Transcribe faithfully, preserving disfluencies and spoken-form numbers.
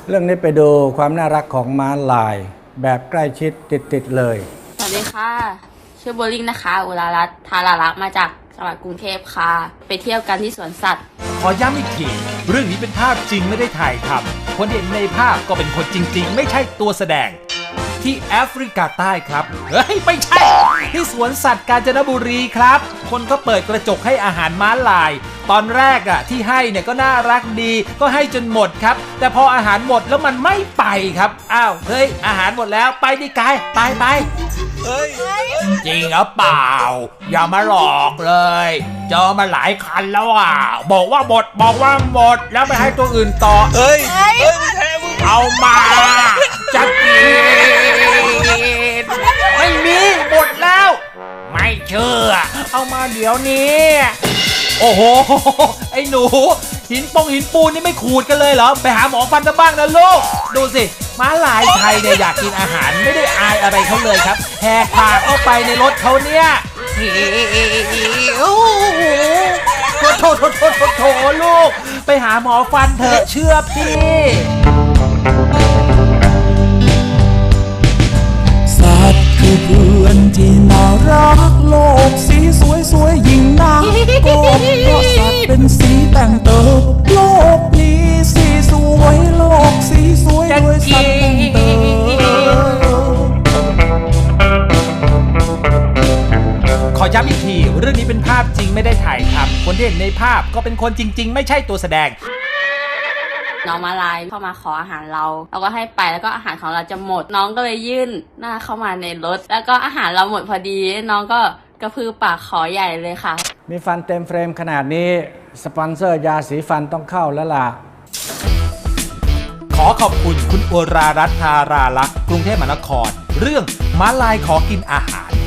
เรื่องนี้ไปดูความน่ารักของม้าลายแบบใกล้ชิดติดๆเลยสวัสดีค่ะชื่อโบลิ่งนะคะอุรารัตน์ธารารักษ์มาจากจังหวัดกรุงเทพค่ะไปเที่ยวกันที่สวนสัตว์ขอย้ำอีกทีเรื่องนี้เป็นภาพจริงไม่ได้ถ่ายทำคนเห็นในภาพก็เป็นคนจริงๆไม่ใช่ตัวแสดงที่แอฟริกาใต้ครับเฮ้ยไม่ใช่ที่สวนสัตว์กาญจนบุรีครับคนก็เปิดกระจกให้อาหารม้าลายตอนแรกอ่ะที่ให้เนี่ยก็น่ารักดีก็ให้จนหมดครับแต่พออาหารหมดแล้วมันไม่ไปครับอ้าวเฮ้ยอาหารหมดแล้วไปดิกายไปไปเฮ้ยจริงหรือเปล่าอย่ามาหลอกเลยเจอมาหลายคันแล้วอ่ะบอกว่าหมดบอกว่าหมดแล้วไปให้ตัวอื่นต่อเอ้ยเอามาจะกินไม่มีหมดแล้วไม่เชื่อเอามาเดี๋ยวนี้โอ้โหไอ้หนูหินปงหินปูนนี่ไม่ขูดกันเลยเหรอไปหาหมอฟันกันบ้างนะลูกดูสิม้าลายไทยเนี่ยอยากกินอาหารไม่ได้อายอะไรเขาเลยครับแหกปากเข้าไปในรถเขาเนี่ยโอ้โหโถโถโถโถโถลูกไปหาหมอฟันเถอะเชื่อพี่สัตว์คือเพื่อนที่น่ารักโลกสีสวยสวยยิ่งนักก็เพราะสัตว์เป็นสีแต่งเติมโลกนี้สีสวยโลกสีสวยด้วยสัตว์แต่งเติมขอย้ำอีกทีเรื่องนี้เป็นภาพจริงไม่ได้ถ่ายทำคนที่เห็นในภาพก็เป็นคนจริงๆไม่ใช่ตัวแสดงน้องมาลายเข้ามาขออาหารเราเราก็ให้ไปแล้วก็อาหารของเราจะหมดน้องก็เลยยื่นหน้าเข้ามาในรถแล้วก็อาหารเราหมดพอดีน้องก็กระพือปากขอใหญ่เลยค่ะมีฟันเต็มเฟรมขนาดนี้สปอนเซอร์ยาสีฟันต้องเข้าแล้วล่ะขอขอบคุณคุณอุรารัตน์ ธารารักษ์กรุงเทพมหานครเรื่องม้าลายขอกินอาหาร